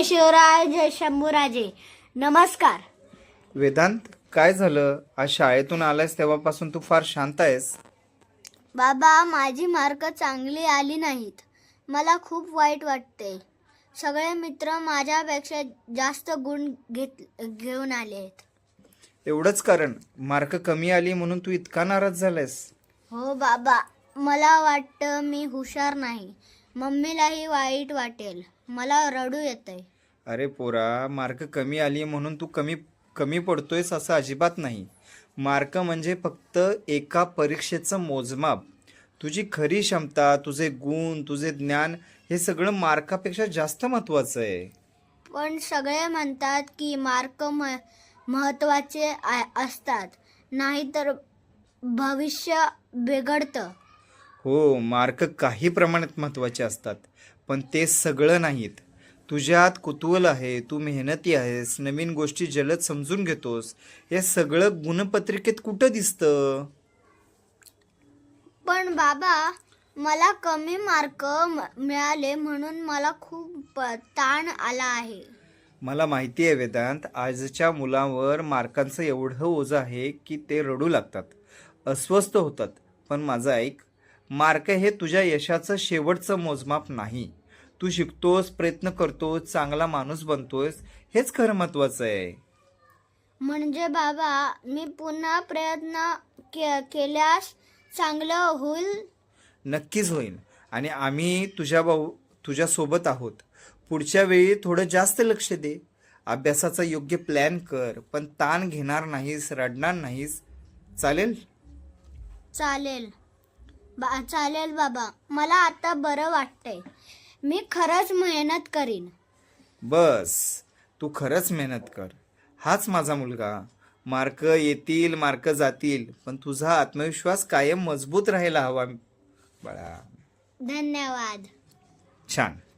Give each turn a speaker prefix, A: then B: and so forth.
A: शिवराय जय शंभूराजे. नमस्कार.
B: वेदांत, काय झालं? आज शाळेतून आलायस तेव्हापासून तू फार शांत आहेस.
A: बाबा, माझी मार्क चांगली आली नाहीत. मला खूप वाईट वाटते. सगळे मित्र माझ्यापेक्षा जास्त गुण घेऊन आले आहेत.
B: एवढंच कारण मार्क कमी आली म्हणून तू इतका नाराज झालायस?
A: हो बाबा, मला वाटतं मी हुशार नाही. मम्मीलाही वाईट वाटेल. मला रडू येतंय.
B: अरे पोरा, मार्क कमी आली म्हणून तू कमी कमी पडतोयस असं अजिबात नाही. मार्क म्हणजे फक्त एका परीक्षेचं मोजमाप. तुझी खरी क्षमता, तुझे गुण, तुझे ज्ञान हे सगळं मार्कापेक्षा जास्त महत्त्वाचं आहे.
A: पण सगळे म्हणतात की मार्क महत्त्वाचे असतात, नाहीतर भविष्य बिघडतं.
B: हो, मार्क काही प्रमाणात महत्त्वाचे असतात, पण ते सगळं नाहीत. तुझ्यात कुतूहल आहे, तू मेहनती आहेस, नवीन गोष्टी जलद समजून घेतोस, हे सगळं गुणपत्रिकेत कुठं दिसतं?
A: पण बाबा, मला कमी मार्क मिळाले म्हणून मला खूप ताण आला आहे.
B: मला माहिती आहे वेदांत, आजच्या मुलांवर मार्कांचं एवढं ओझं आहे की ते रडू लागतात, अस्वस्थ होतात. पण माझं ऐक, मार्क हे तुझ्या यशाचं शेवटचं मोजमाप नाही. तू शिकतोस, प्रयत्न करतोस, चांगला माणूस बनतोस, हेच खरं महत्त्वाचं आहे.
A: म्हणजे बाबा, मी पुन्हा प्रयत्न केल्यास चांगलं होईल.
B: नक्कीच होईल. आणि आम्ही तुझ्यासोबत आहोत. पुढच्या वेळी थोडं जास्त लक्ष दे. अभ्यासाचा योग्य प्लॅन कर, पण ताण घेणार नाहीस, रडणार नाहीस. चालेल?
A: चालेल चालेल बाबा, मला आता बरं वाटतंय. मी खरंच मेहनत करीन.
B: बस, तू खरंच मेहनत कर. हाच माझा मुलगा. मार्क येतील, मार्क जातील, पण तुझा आत्मविश्वास कायम मजबूत राहायला हवा बाळा.
A: धन्यवाद.
B: छान.